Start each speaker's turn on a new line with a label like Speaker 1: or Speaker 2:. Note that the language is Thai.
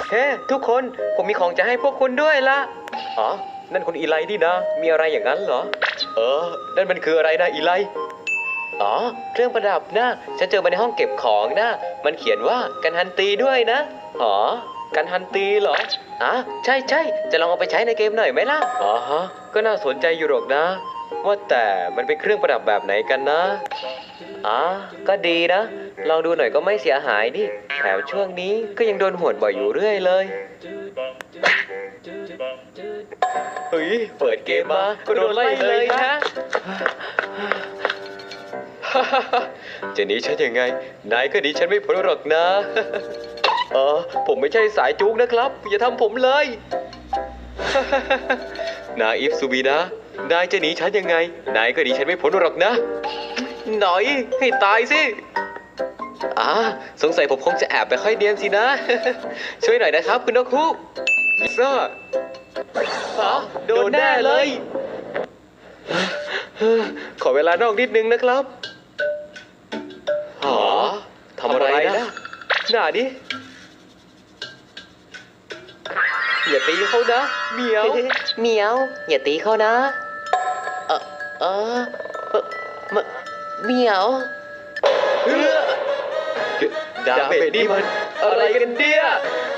Speaker 1: เฮ้ทุกคนผมมีของจะให้พวกคุณด้วยละอ๋อนั่นคุณอีไลที่นะมีอะไรอย่างนั้นเหรอนั่นมันคืออะไรนะอีไลอ๋อเครื่องประดับนะฉันเจอมาในห้องเก็บของนะมันเขียนว่ากันฮันตีด้วยนะอ๋อกันฮันตีเหรอใช่ใช่จะลองเอาไปใช้ในเกมหน่อยไหมล่ะอ๋อฮะก็น่าสนใจอยู่หรอกนะ ว่าแต่มันเป็นเครื่องประดับแบบไหนกันนะก็ดีนะ ลองดูหน่อยก็ไม่เสียหายดิแถมช่วงนี้ก็ยังโดนหวดบ่อยอยู่เรื่อยเลย เฮ้ย เปิดเกมมาก็โดนไล่เลยฮะ จะหนีฉันยังไง นายก็หนีฉันไม่พ้นหรอกนะ ผมไม่ใช่สายจุกนะครับ อย่าทำผมเลย นาอิฟซูบีนะ นายจะหนีฉันยังไง นายก็หนีฉันไม่พ้นหรอกนะ หน่อยให้ตายสิสงสัยผมคงจะแอบไปค่อยเดียนสินะ ช่วยหน่อยนะครับคุณนกฮูกซ่าโดนแน่เลย ขอเวลานอกนิดนึงนะครับทำอะไรนะหน้าดิอย่าตีเขานะเหมียว
Speaker 2: เหมียว อย่าตีเขานะเหมียว
Speaker 1: ดาเมจนี่มันอะไรกันเนี่ย